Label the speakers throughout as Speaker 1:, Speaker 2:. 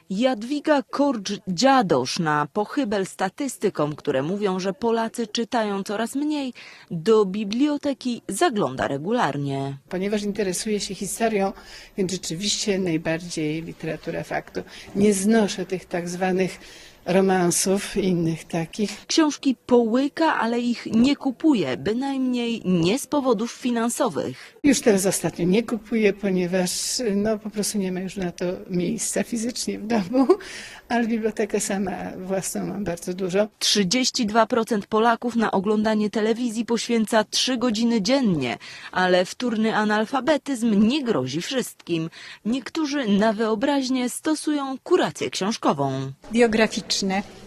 Speaker 1: Jadwiga Korcz-Dziadosz na pochybel statystykom, które mówią, że Polacy czytają coraz mniej, do biblioteki zagląda regularnie.
Speaker 2: Ponieważ interesuję się historią, więc rzeczywiście najbardziej literatura faktu. Nie znoszę tych tak zwanych romansów i innych takich.
Speaker 1: Książki połyka, ale ich nie kupuje, bynajmniej nie z powodów finansowych.
Speaker 2: Już teraz ostatnio nie kupuję, ponieważ po prostu nie ma już na to miejsca fizycznie w domu, ale bibliotekę sama własną mam bardzo dużo.
Speaker 1: 32% Polaków na oglądanie telewizji poświęca 3 godziny dziennie, ale wtórny analfabetyzm nie grozi wszystkim. Niektórzy na wyobraźnię stosują kurację książkową.
Speaker 3: Biograficzne,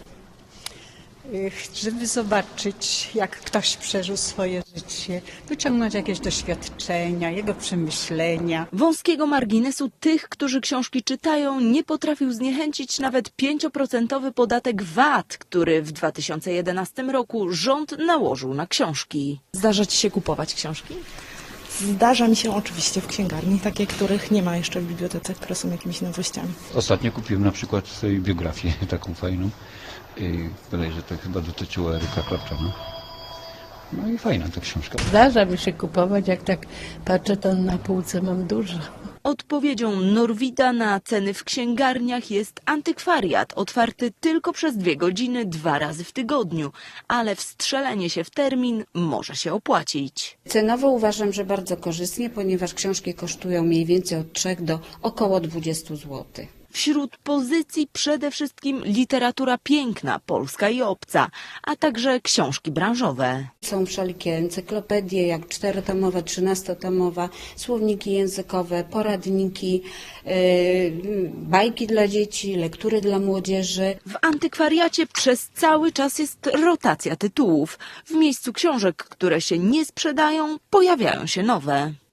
Speaker 3: żeby zobaczyć, jak ktoś przeżył swoje życie, wyciągnąć jakieś doświadczenia, jego przemyślenia.
Speaker 1: Wąskiego marginesu tych, którzy książki czytają, nie potrafił zniechęcić nawet 5% podatek VAT, który w 2011 roku rząd nałożył na książki.
Speaker 4: Zdarza ci się kupować książki?
Speaker 5: Zdarza mi się oczywiście w księgarni, takie, których nie ma jeszcze w bibliotece, które są jakimiś nowościami.
Speaker 6: Ostatnio kupiłem na przykład sobie biografię taką fajną. Bodajże to chyba dotyczyło Eryka Claptona. No i fajna ta książka.
Speaker 7: Zdarza mi się kupować, jak tak patrzę, to na półce mam dużo.
Speaker 1: Odpowiedzią Norwida na ceny w księgarniach jest antykwariat, otwarty tylko przez 2 godziny 2 razy w tygodniu, ale wstrzelenie się w termin może się opłacić.
Speaker 8: Cenowo uważam, że bardzo korzystnie, ponieważ książki kosztują mniej więcej od 3 do około 20 zł.
Speaker 1: Wśród pozycji przede wszystkim literatura piękna, polska i obca, a także książki branżowe.
Speaker 8: Są wszelkie encyklopedie, jak 4-tomowa, 13-tomowa, słowniki językowe, poradniki, bajki dla dzieci, lektury dla młodzieży.
Speaker 1: W antykwariacie przez cały czas jest rotacja tytułów. W miejscu książek, które się nie sprzedają, pojawiają się nowe.